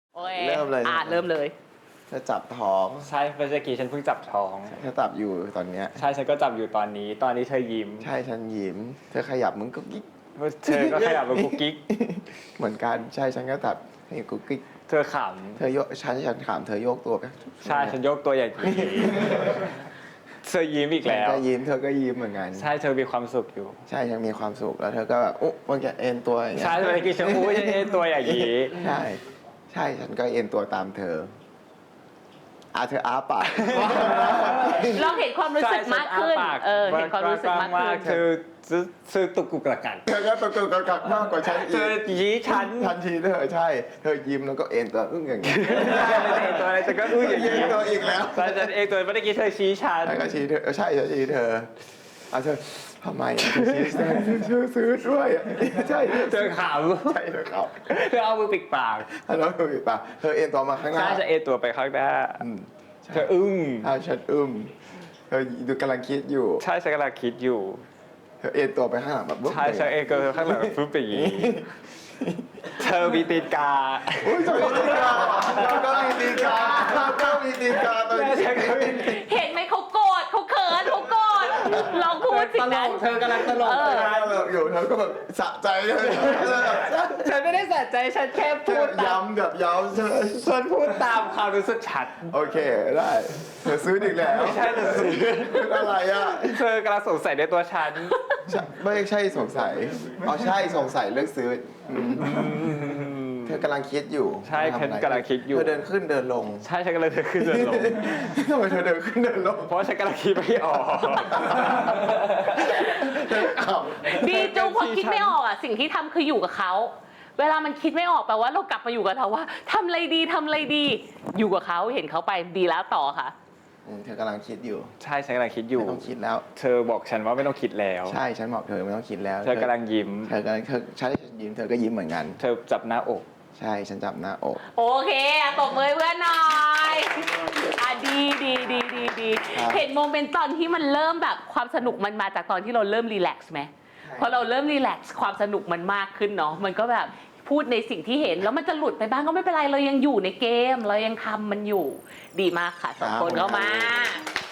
โอเคเริ่มเลยเริ่มเลยจะจับท้องใช่เมื่อกี้ฉันเพิ่งจับท้องจะจับอยู่ตอนเนี้ยใช่ฉันก็จับอยู่ตอนนี้เธอยิ้มใช่ฉันยิ้มเธอขยับมึงก็กิ๊กเธอก็ขยับเป็นกุ๊กกิ๊กเหมือนกันใช่ฉันก็จับให้กุ๊กกิ๊กเธอขเธอโยกฉันถามเธอโยกตัวไปำใช่ฉันยกตัวอย่างนี้เธอยิ้มอีกฉันแล้วก็ยิ้มเธอก็ยิ้มเหมือนกันใช่เธอมีความสุขอยู่ใช่ยังมีความสุขแล้วเธอก็แบบโอ้มันจะเอ็นตัวอย่างเงี้ยใช่เมื่อกี้ฉันพูดฉันเอ็นตัวอย่างนี้ใช่ใช่ฉันก็เอ็นตัวตามเธอเธออ้าปากลองเห็นความรู้สึกมากขึ้นใช่ฉัอ้ปเห็นความรู้สึกมากขึ้นเธอตุกกุกกระกักเธอก็ตะกุกตะกักมากกว่าฉันอีเธอก ยี้ฉันทันทีเธอใช่เธอยิ้มแล้วก็เอ็นตัวอึ้งอย่างเงี้ยเอ็นตัวอะไรฉันก็อื้ออย่างยิ้นี้มตัวอีกแล้วใช่ฉันเองตัวเมื่อกี้เธอชี้ฉันแล้วก็ชี้เธอใช่ฉันชี้เธอเธอทำไมเธอชี้เธอซื้อด้วยใช่เธอขใช่เธอเขาำเธอเอามือปิดปากแล้วเธอปิดปากเธอเอ็นตัวมาข้างหใช่น้าจะเอ็นตัวไปข้างหน้าใช่เธออึ้งฉันเธอดูกำลังคิดอยู่ใช่ฉันกำลังคิดอยู่เธอเอ็นตัวไปข้างหลังแบบใช่ฉันเองก็ข้างหลังฟึ๊บไปอย่างนี้เธอมีตีนกาอุ้ยเธอมีตีนกาเราก็มีตีนกาเราก็มีตีนกาตัวนี้ฉันก็มีเห็นไหมเขาโกรธเขาเขินเขาโกรธลองพูดสิ่งนั้นเธอกำลังตลกเธอแบบอยู่เธอก็แบบสะใจเลยฉันไม่ได้สะใจฉันแค่เธพูอดตามย้ำแบบย้ำเธอฉันพูดตามความรู้สึกฉันโอเคได้เธอซื้ออีกแล้วไม่ใช่เธอซื้ออะไรอ่ะเธอกำลังสงสัยในตัวฉันไม่ใช่สงสัยใช่สงสัยเลือกซื้อเธอกำลังคิดอยู่ใช่ฉันกำลังคิดอยู่เธอเดินขึ้นเดินลงใช่ฉันกำลังเดินขึ้นเดินลงทำไมเธอเดินขึ้นเดินลงเพราะฉันกำลังคิดไม่ออกดีจูพอคิดไม่ออกสิ่งที่ทำคืออยู่กับเขาเวลามันคิดไม่ออกแปลว่าเรากลับมาอยู่กับเราว่าทำอะไรดีทำอะไรดี อยู่กับเขาเห็นเขาไปดีแล้วต่อค่ะเธอกำลังคิดอยู่ใช่ฉันกำลังคิดอยู่ไม่ต้องคิดแล้วเธอบอกฉันว่าไม่ต้องคิดแล้วใช่ฉันบอกเธอไม่ต้องคิดแล้วเธอกำลังยิ้มเธอกำลังใช่ฉันยิ้มเธอก็ยิ้มเหมือนกันเธอจับหน้าอกใช่ฉันจับหน้าอกโอเคตบมือเพื่อนหน่อยดีเห็นโมเมนต์ตอนที่มันเริ่มแบบความสนุกมันมาจากตอนที่เราเริ่มรีแลกซ์ไหมพอเราเริ่มรีแลกซ์ความสนุกมันมากขึ้นเนาะมันก็แบบพูดในสิ่งที่เห็นแล้วมันจะหลุดไปบ้างก็ไม่เป็นไรเรายังอยู่ในเกมเรายังทำมันอยู่ดีมากค่ะสองคนเข้ามา